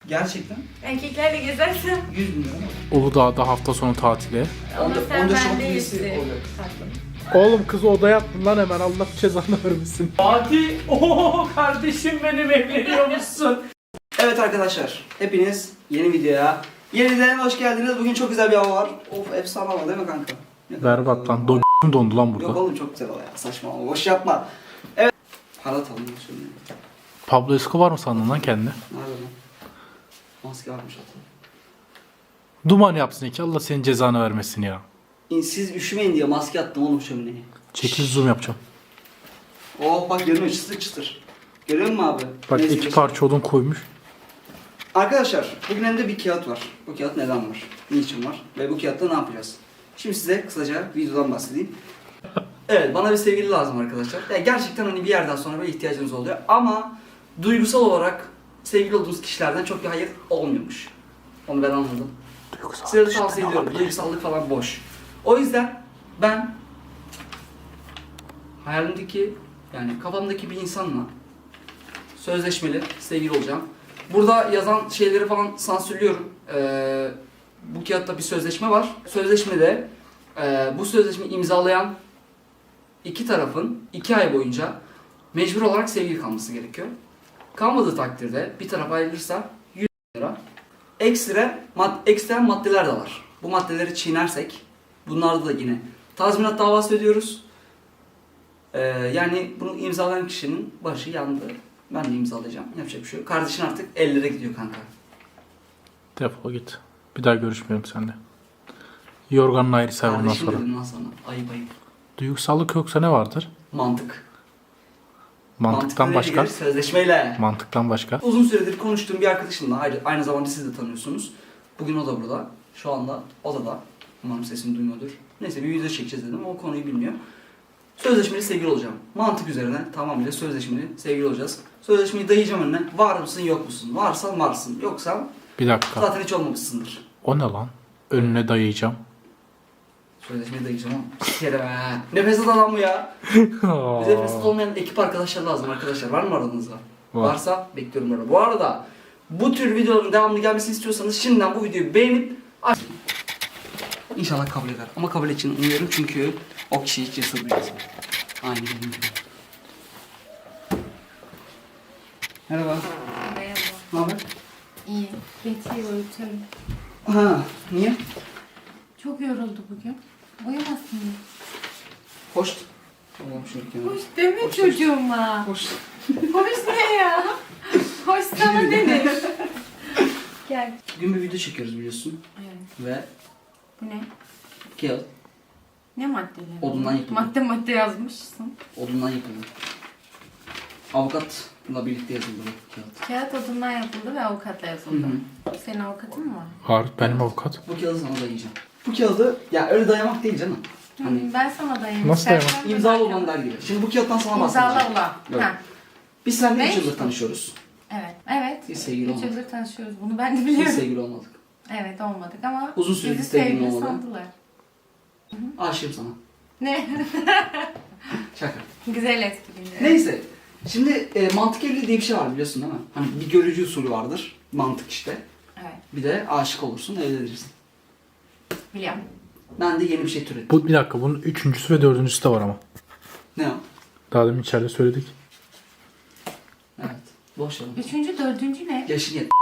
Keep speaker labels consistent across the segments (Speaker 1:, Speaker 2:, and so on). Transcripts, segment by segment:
Speaker 1: Gerçekten?
Speaker 2: Erkeklerle gezersen.
Speaker 1: 100 bin lira mı?
Speaker 3: Uludağ'da hafta sonu tatili.
Speaker 2: Ama sen
Speaker 1: Onda
Speaker 2: bende
Speaker 1: şok üyesi
Speaker 2: yesi.
Speaker 1: olacak.
Speaker 3: Oğlum kızı odaya attın lan hemen, Allah cezanı vermesin.
Speaker 4: Fatih, ooo kardeşim benim, evleniyormuşsun.
Speaker 1: Evet arkadaşlar, hepiniz yeni videoya yeniden hoş geldiniz. Bugün çok güzel bir hava var. Of, efsane hava değil mi kanka?
Speaker 3: Berbat lan, dondu lan
Speaker 1: Yok
Speaker 3: burada.
Speaker 1: oğlum, çok güzel hava ya, saçma ama boş yapma. Evet. Para atalım şöyle.
Speaker 3: Pablo Escobar mı sandın lan kendini?
Speaker 1: Nerede lan? Maske varmış atalım.
Speaker 3: Duman yapsın ki, Allah senin cezanı vermesin ya.
Speaker 1: Siz üşümeyin diye maske attım oğlum şömineye.
Speaker 3: Çekil, zoom yapacağım.
Speaker 1: Oh bak, görünüyor çıtır çıtır. Görüyor musun abi?
Speaker 3: Bak
Speaker 1: Neyse,
Speaker 3: iki parça odun koymuş.
Speaker 1: Arkadaşlar bugün elimde bir kağıt var. Bu kağıt neden var? Niçin var? Ve bu kağıtta ne yapacağız? Şimdi size kısaca videodan bahsedeyim. Evet, bana bir sevgili lazım arkadaşlar. Ya gerçekten hani bir yerden sonra böyle ihtiyacınız oluyor. Ama duygusal olarak sevgili olduğunuz kişilerden çok bir hayır olmuyormuş. Onu ben anladım. Size de tavsiye ediyorum. Duygusallık falan boş. O yüzden ben hayalimdeki, yani kafamdaki bir insanla sözleşmeli sevgili olacağım. Burada yazan şeyleri falan sansürlüyorum. Bu kağıtta bir sözleşme var. Sözleşmede bu sözleşmeyi imzalayan iki tarafın 2 ay boyunca mecbur olarak sevgili kalması gerekiyor. Kalmadığı takdirde bir taraf ayrılırsa 100 lira. Ekstra maddeler de var. Bu maddeleri çiğnersek bunlarda da yine tazminat davası ödüyoruz. Yani bunu imzalayan kişinin başı yandı. Ben de imzalayacağım. Yapacak bir şey yok. Kardeşin artık ellere gidiyor kanka.
Speaker 3: Defol git. Bir daha görüşmeyelim seninle. Yorganla ayrı say bundan
Speaker 1: Kardeşim
Speaker 3: sonra.
Speaker 1: dedim lan sana. Ayıp ayıp.
Speaker 3: Duygusallık yoksa ne vardır?
Speaker 1: Mantık.
Speaker 3: Mantıktan
Speaker 1: Mantıklı
Speaker 3: başka?
Speaker 1: gelir, sözleşmeyle.
Speaker 3: Mantıktan başka?
Speaker 1: Uzun süredir konuştuğum bir arkadaşımla, aynı zamanda siz de tanıyorsunuz. Bugün o da burada. Şu anda odada. Umarım sesimi duymuyordur. Neyse, bir video çekeceğiz dedim ama o konuyu bilmiyor. Sözleşmeli sevgili olacağım. Mantık üzerine tamamıyla sözleşmeli sevgili olacağız. Sözleşmeyi dayayacağım önüne. Var mısın yok musun? Varsan varsın. Yoksa
Speaker 3: Bir dakika.
Speaker 1: zaten hiç olmamışsındır.
Speaker 3: O ne lan? Önüne dayayacağım.
Speaker 1: Sözleşmeyi dayayacağım ama. Sikerim he. Nefes al adam bu ya. Bize nefes olmayan ekip arkadaşlar lazım arkadaşlar. Var mı aranızda?
Speaker 3: Var.
Speaker 1: Varsa bekliyorum burada. Bu arada bu tür videoların devamlı gelmesini istiyorsanız şimdiden bu videoyu beğenip İnşallah kabul eder. Ama kabul için umuyorum çünkü o kişi hiç cesur bir insan. Aynı benim gibi. Merhaba.
Speaker 2: Merhaba.
Speaker 1: Ne haber?
Speaker 2: İyi. Betty'yi uyutuyorum.
Speaker 1: Ha, niye?
Speaker 2: Çok yoruldu bugün. Uyumasın mı?
Speaker 1: Hoş. Tamam, şöyle kenara.
Speaker 2: Hoş deme
Speaker 1: Hoş.
Speaker 2: çocuğuma.
Speaker 1: Hoş.
Speaker 2: Hoş ne ya? Hoş sana denir. Gel.
Speaker 1: Bugün bir video çekiyoruz biliyorsun.
Speaker 2: Evet.
Speaker 1: Ve
Speaker 2: Bu ne?
Speaker 1: kağıt
Speaker 2: Ne maddeleri?
Speaker 1: Odundan yapıldı.
Speaker 2: Madde yazmışsın.
Speaker 1: odundan yapıldı. Avukatla birlikte yazıldı bu kağıt.
Speaker 2: Kağıt odundan yapıldı ve avukatla yazıldı.
Speaker 1: Hı
Speaker 2: Senin avukatın mı var?
Speaker 3: Var, benim avukat.
Speaker 1: Bu kağıdı sana dayayacağım. Bu kağıdı ya öyle dayamak değil canım. Hani
Speaker 2: Ben sana dayayayım.
Speaker 3: Nasıl
Speaker 2: İstersen
Speaker 3: dayamak?
Speaker 2: de
Speaker 1: imzalı
Speaker 2: dayan.
Speaker 1: olan der gibi. Şimdi bu kağıttan sana
Speaker 2: İmzala
Speaker 1: bahsedeceğim.
Speaker 2: ulan.
Speaker 1: Evet.
Speaker 2: Ha.
Speaker 1: Biz seninle
Speaker 2: Ne?
Speaker 1: 3 yıldır tanışıyoruz.
Speaker 2: Evet. Evet.
Speaker 1: Biz sevgili
Speaker 2: 3
Speaker 1: olmadık.
Speaker 2: yıldır tanışıyoruz. Bunu ben de
Speaker 1: Biz
Speaker 2: biliyorum.
Speaker 1: sevgili olmadık.
Speaker 2: Evet, olmadık ama
Speaker 1: Uzun süredir
Speaker 2: bizi
Speaker 1: sevgili
Speaker 2: sevgili
Speaker 1: olmadı.
Speaker 2: sandılar.
Speaker 1: Aşığım sana.
Speaker 2: Ne?
Speaker 1: Şaka.
Speaker 2: Güzel etkiledi.
Speaker 1: Neyse. Şimdi mantık evliliği diye bir şey var biliyorsun değil mi? Hani bir görücü usulü vardır. Mantık işte.
Speaker 2: Evet,
Speaker 1: Bir de aşık olursun, evlenirsin.
Speaker 2: biliyorum.
Speaker 1: Ben de yeni bir şey türettim.
Speaker 3: Bu bir dakika, bunun üçüncüsü ve dördüncüsü de var ama.
Speaker 1: Ne o?
Speaker 3: Daha demin içeride söyledik.
Speaker 1: Evet. Boş ver.
Speaker 2: Üçüncü, dördüncü ne?
Speaker 1: Yaşın yet.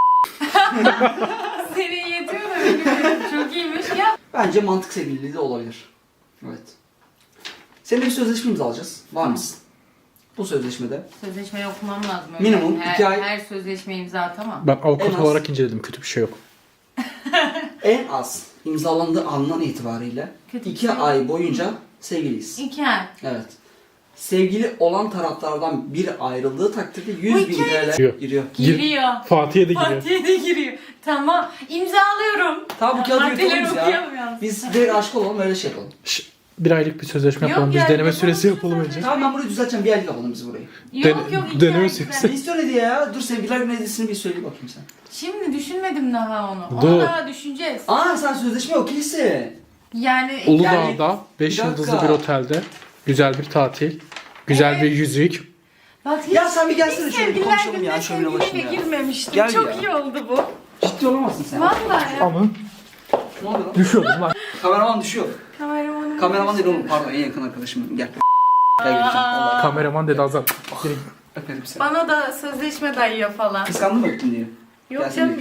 Speaker 2: Senin yetiyor da benim çok iyiymiş ya.
Speaker 1: Bence mantık sevgililiği de olabilir. Evet. Seninle bir sözleşme imzalayacağız. Var mısın? Bu sözleşmede
Speaker 2: Sözleşmeyi okumam lazım. Öyle.
Speaker 1: Minimum
Speaker 2: her,
Speaker 1: 2 ay-
Speaker 2: Her sözleşmeyi imza atamam.
Speaker 3: Ben avukat
Speaker 1: En az-
Speaker 3: olarak inceledim, kötü bir şey yok.
Speaker 1: en az imzalandığı andan itibariyle
Speaker 2: Kötü
Speaker 1: 2
Speaker 2: bir şey.
Speaker 1: ay boyunca sevgiliyiz.
Speaker 2: 2 ay.
Speaker 1: Evet. Sevgili olan taraflardan biri ayrıldığı takdirde 100 bin
Speaker 2: Bu
Speaker 1: TL
Speaker 3: Giriyor.
Speaker 1: giriyor.
Speaker 2: Giriyor.
Speaker 3: Fatih'e de giriyor.
Speaker 2: Fatih'e de giriyor. Tamam. İmzalıyorum.
Speaker 1: Tamam, bu kağıdı
Speaker 2: Maddeleri
Speaker 1: yırtalım ya.
Speaker 2: okuyalım yalnız.
Speaker 1: Biz direkt aşık olalım, öyle şey yapalım.
Speaker 3: Bir aylık bir sözleşme
Speaker 2: Yok
Speaker 3: yapalım. Biz
Speaker 2: ya,
Speaker 3: deneme
Speaker 2: yapalım
Speaker 3: süresi
Speaker 2: bir
Speaker 3: yapalım önce.
Speaker 1: Tamam, ben burayı düzelteceğim. Bir aylık yapalım biz burayı.
Speaker 2: Yok yok 2
Speaker 3: deneme
Speaker 2: ay.
Speaker 3: süresi.
Speaker 1: Ne istiyor ne diye ya? Dur, sevgililer günü hediyesini bir söyle bakayım sen.
Speaker 2: Şimdi düşünmedim daha onu.
Speaker 3: Dur.
Speaker 2: Onu daha düşüneceğiz.
Speaker 1: Aa, sen sözleşme okeysin.
Speaker 2: Yani
Speaker 3: Uludağ'da 5
Speaker 1: bir dakika.
Speaker 3: yıldızlı bir otelde güzel bir tatil, güzel
Speaker 2: Evet.
Speaker 3: bir yüzük.
Speaker 2: Bak
Speaker 1: Ya sen bir gelsene şöyle bir
Speaker 2: sevgililer
Speaker 1: konuşalım ya
Speaker 2: gününe
Speaker 1: şöyle başına
Speaker 2: sevgiliyle
Speaker 1: ya.
Speaker 2: girmemiştim.
Speaker 1: Gel
Speaker 2: Çok
Speaker 1: ya.
Speaker 2: iyi oldu bu.
Speaker 1: Ciddi olamazsın sen.
Speaker 2: Vallahi ya.
Speaker 3: Ama
Speaker 1: Ne oluyor lan?
Speaker 3: düşüyordum lan.
Speaker 1: Kameraman düşüyor.
Speaker 2: Kameramanım.
Speaker 1: Kameraman değil oğlum pardon en yakın arkadaşım. Gel. Gel Gülcan. Vallahi
Speaker 3: Kameraman dedi Azat.
Speaker 1: öperim seni.
Speaker 2: Bana da sözleşme dayıyor falan.
Speaker 1: Kıskandın mı öptün diye?
Speaker 2: Yok
Speaker 1: Gelsin
Speaker 2: canım.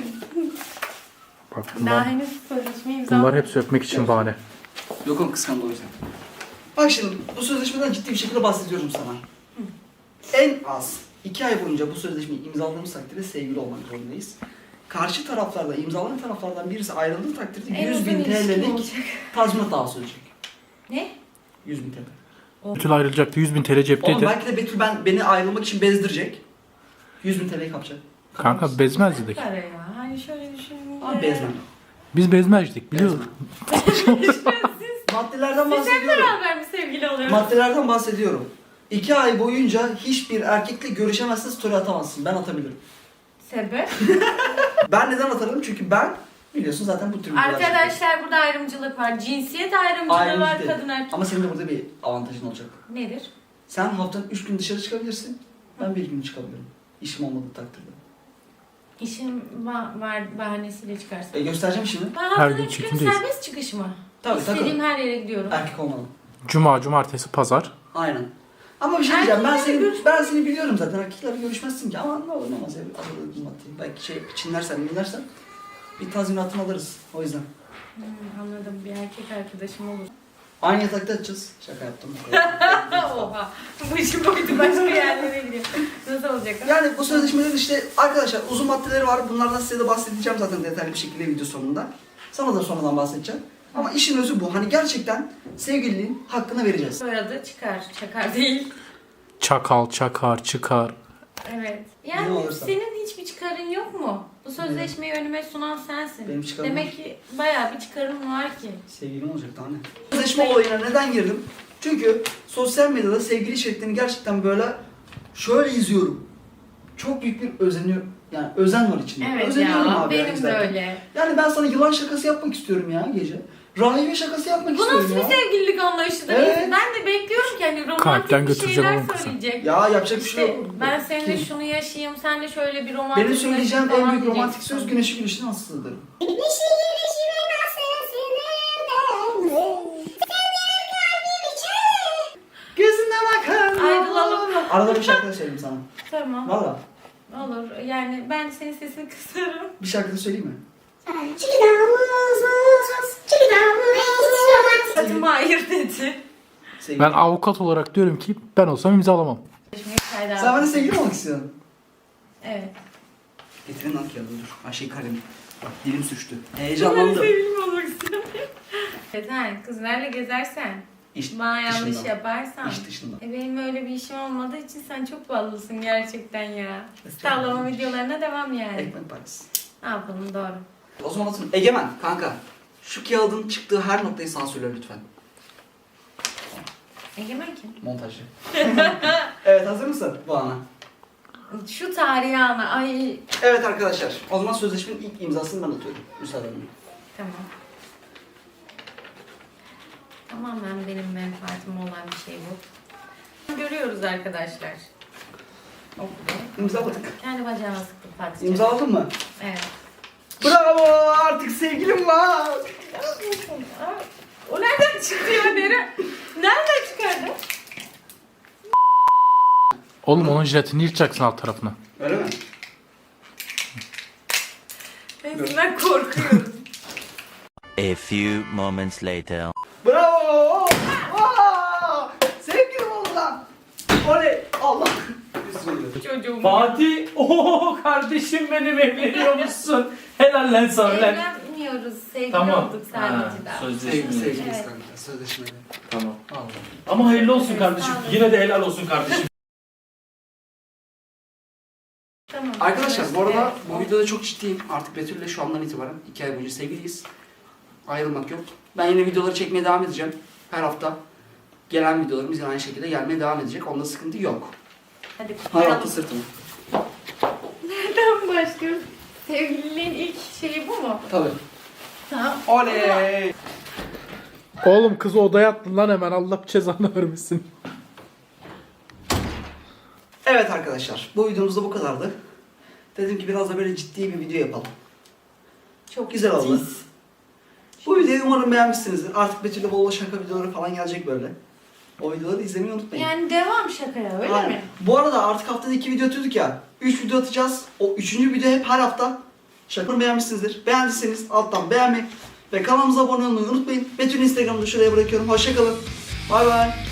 Speaker 3: Bak
Speaker 2: Daha
Speaker 3: bunlar,
Speaker 2: henüz sözleşme imzaladım.
Speaker 3: bunlar hepsi öpmek için bahane.
Speaker 1: Yok oğlum kıskandı o yüzden. Bak şimdi bu sözleşmeden ciddi bir şekilde bahsediyorum sana. En az 2 ay boyunca bu sözleşmeyi imzaladığımız takdirde sevgili olmak zorundayız. Karşı taraflarla imzalanan taraflardan birisi ayrıldığı takdirde
Speaker 2: En
Speaker 1: 100 bin
Speaker 2: uzun ilişkin
Speaker 1: TL'lik
Speaker 2: olacak.
Speaker 1: tazminat davası ödeyecek.
Speaker 2: Ne?
Speaker 1: 100 bin TL.
Speaker 3: Betül ayrılacaktı, 100.000 TL
Speaker 1: Oğlum
Speaker 3: cepteydi.
Speaker 1: belki de Betül beni ayrılmak için bezdirecek. 100 bin TL'yi kapacak.
Speaker 3: Kanka bezmez dedik.
Speaker 2: Para ya. Hani şöyle düşününce.
Speaker 1: Ama bezmem.
Speaker 3: Biz bezmezdik biliyoruz.
Speaker 1: Maddelerden
Speaker 2: Siz hep
Speaker 1: bahsediyorum.
Speaker 2: beraber mi sevgili oluyorsunuz?
Speaker 1: Maddelerden bahsediyorum. 2 ay boyunca hiçbir erkekle görüşemezsin, story atamazsın. Ben atabilirim.
Speaker 2: Sebep?
Speaker 1: Ben neden atarım? Çünkü ben biliyorsun zaten bu tür videolar çekiyorum.
Speaker 2: Arkadaşlar burada ayrımcılık var. Cinsiyet ayrımcılığı
Speaker 1: Ayrımcı
Speaker 2: var
Speaker 1: değil.
Speaker 2: kadın erkek.
Speaker 1: Ama senin de burada bir avantajın olacak.
Speaker 2: Nedir?
Speaker 1: Sen haftanın 3 gün dışarı çıkabilirsin. Ben 1 gün çıkabilirim. İşim olmadığı takdirde.
Speaker 2: İşim var bahanesiyle çıkarsın.
Speaker 1: Göstereceğim şimdi.
Speaker 2: Ben
Speaker 3: Her
Speaker 2: haftada
Speaker 3: gün
Speaker 2: 3 gün
Speaker 3: çekimdeyiz.
Speaker 2: serbest çıkış mı?
Speaker 1: Tabii
Speaker 2: İstediğim
Speaker 1: takıl.
Speaker 2: her yere gidiyorum.
Speaker 1: Erkek olmalı.
Speaker 3: Cuma, cumartesi, pazar.
Speaker 1: Aynen. Ama bir şey diyeceğim.
Speaker 2: Erkeklerle
Speaker 1: Ben seni biliyorum zaten. Erkeklerle görüşmezsin ki. Ama ne olur ne olmaz. Belki çinlersen bir tazminatını alırız. O yüzden.
Speaker 2: Anladım. Bir erkek arkadaşım olur.
Speaker 1: Aynı yatakta yatacağız. Şaka yaptım.
Speaker 2: Oha. Bu işin boyutu başka yerlere gidiyor. Nasıl olacak?
Speaker 1: Yani bu sözleşmelerin işte arkadaşlar uzun maddeleri var. Bunlardan size de bahsedeceğim zaten detaylı bir şekilde video sonunda. Sana da sonradan bahsedeceğim. Ama işin özü bu. Hani gerçekten sevgililiğin hakkını vereceğiz.
Speaker 2: Soyadı çıkar. Çakar değil.
Speaker 3: Çakal, çakar, çıkar.
Speaker 2: Evet.
Speaker 1: Ne
Speaker 2: Yani
Speaker 1: olursa.
Speaker 2: senin hiçbir çıkarın yok mu? Bu sözleşmeyi önüme sunan sensin.
Speaker 1: Benim çıkarım
Speaker 2: Demek
Speaker 1: var.
Speaker 2: ki bayağı bir çıkarın var ki.
Speaker 1: Sevgilim olacak daha ne? Sözleşme olayına neden girdim? Çünkü sosyal medyada sevgili içeriklerini gerçekten böyle şöyle izliyorum. Çok büyük bir özeniyorum. Yani özen var içinde.
Speaker 2: Evet
Speaker 1: Özeniyorum
Speaker 2: ya.
Speaker 1: abi
Speaker 2: Benim de
Speaker 1: izlerken.
Speaker 2: öyle.
Speaker 1: Yani ben sana yılan şakası yapmak istiyorum ya gece. Rahibe şakası yapmak
Speaker 2: Bu
Speaker 1: istiyorum
Speaker 2: nasıl bir
Speaker 1: ya.
Speaker 2: sevgililik anlayışıdır?
Speaker 1: Evet.
Speaker 2: Ben de bekliyorum ki hani romantik
Speaker 3: Kalpten
Speaker 2: bir
Speaker 3: götüreceğim
Speaker 2: şeyler
Speaker 3: oğlum kızı.
Speaker 2: söyleyecek.
Speaker 1: Ya yapacak bir şey
Speaker 2: İşte
Speaker 1: yok.
Speaker 2: ben seninle
Speaker 1: Kim?
Speaker 2: şunu yaşayayım, sen de şöyle bir romantik
Speaker 1: Benim söyleyeceğim
Speaker 2: yaşayayım
Speaker 1: en
Speaker 2: falan
Speaker 1: büyük romantik
Speaker 2: diyeceksin.
Speaker 1: söz güneşi güneşine nasıldır? Gözüne bakın.
Speaker 2: Ayrılalım.
Speaker 1: Arada bir şarkı da söyleyeyim sana.
Speaker 2: Tamam.
Speaker 1: Valla.
Speaker 2: Olur. Yani ben senin sesini kısarım.
Speaker 1: Bir şarkı da söyleyeyim mi?
Speaker 2: Saçım hayır dedi.
Speaker 1: Sevgili.
Speaker 3: Ben avukat olarak diyorum ki ben olsam imzalamam.
Speaker 1: Sen bana sevgili mi olmak istiyorsun?
Speaker 2: Evet.
Speaker 1: Getirin lan kağıdı dur. Ayşe kalemi. Bak dilim sürçtü.
Speaker 2: Ben
Speaker 1: Heyecanlandım.
Speaker 2: sevgilim olmak istiyorum. Sen kızlarla gezersen,
Speaker 1: İş
Speaker 2: bana yanlış
Speaker 1: dışında.
Speaker 2: yaparsan.
Speaker 1: İş dışında.
Speaker 2: Benim öyle bir işim olmadığı için sen çok ballısın gerçekten ya. Tavlama videolarına devam yani.
Speaker 1: Ekmek parası.
Speaker 2: Ne yapalım doğru.
Speaker 1: O zaman atın. Egemen kanka. Şu kağıdın çıktığı her noktayı sansürle lütfen.
Speaker 2: Egemen kim?
Speaker 1: Montajı. Evet hazır mısın bu ana?
Speaker 2: Şu tarihi ana. Ay
Speaker 1: Evet arkadaşlar. O zaman sözleşmenin ilk imzasını ben atıyorum. Müsaadenle.
Speaker 2: tamam. Tamamen benim menfaatim olan bir şey bu. Görüyoruz arkadaşlar. Okey.
Speaker 1: İmzaladık.
Speaker 2: Kendi bacağına sıktım Fatih'ciğim.
Speaker 1: İmzaladın mı?
Speaker 2: Evet.
Speaker 1: Bravo! Artık sevgilim var.
Speaker 2: O nereden çıktı ya Nere? Nereden çıkardı?
Speaker 3: Oğlum onun jiletini yırtacaksın alt tarafına.
Speaker 1: Öyle mi?
Speaker 2: Ben korkuyorum.
Speaker 5: A few moments later.
Speaker 1: Bravo! Aa! Sevgilim oldu lan. Oley! Allah!
Speaker 2: Çocuğum.
Speaker 4: Fatih, ooo kardeşim benim evleniyormuşsun. Helal lan sana lan.
Speaker 2: Evlenmiyoruz. Sevgili
Speaker 4: Tamam.
Speaker 2: olduk sadece daha.
Speaker 1: Sevgiliyiz
Speaker 2: Evet.
Speaker 1: kanka. Sözleşmeli.
Speaker 4: Tamam.
Speaker 1: Allah.
Speaker 4: Ama hayırlı olsun
Speaker 2: Evet,
Speaker 4: kardeşim.
Speaker 2: sağ olun.
Speaker 4: Yine de helal olsun kardeşim.
Speaker 2: Tamam.
Speaker 1: Arkadaşlar bu arada bu
Speaker 2: Evet.
Speaker 1: videoda çok ciddiyim. Artık Betül'le şu andan itibaren 2 ay boyunca sevgiliyiz. Ayrılmak yok. Ben yine videoları çekmeye devam edeceğim. Her hafta gelen videolarımız yine aynı şekilde gelmeye devam edecek. Onda sıkıntı yok.
Speaker 2: Hadi
Speaker 1: Hay
Speaker 2: kutlayalım.
Speaker 1: altı sırtımı.
Speaker 2: Nereden başlıyoruz? Sevgililiğin ilk şeyi bu mu?
Speaker 1: Tabii.
Speaker 2: Tamam.
Speaker 1: Oley!
Speaker 3: Oğlum kızı odaya attın lan hemen Allah cezanı vermesin.
Speaker 1: Evet arkadaşlar, bu videomuz da bu kadardı. Dedim ki biraz da böyle ciddi bir video yapalım.
Speaker 2: Çok
Speaker 1: Güzel oldu.
Speaker 2: ciddiyiz.
Speaker 1: Bu videoyu umarım beğenmişsinizdir. Artık Betül'le bol şaka videoları falan gelecek böyle. O videoları izlemeyi unutmayın.
Speaker 2: Yani devam şakaya öyle
Speaker 1: Aynen.
Speaker 2: mi?
Speaker 1: Bu arada artık haftada 2 video atıyorduk ya. 3 video atacağız. O 3. video hep her hafta. Şakanı beğenmişsinizdir. Beğendiyseniz alttan beğenmeyi ve kanalımıza abone olmayı unutmayın. Betül'ün Instagram'ını şuraya bırakıyorum. Hoşçakalın. Bay bay.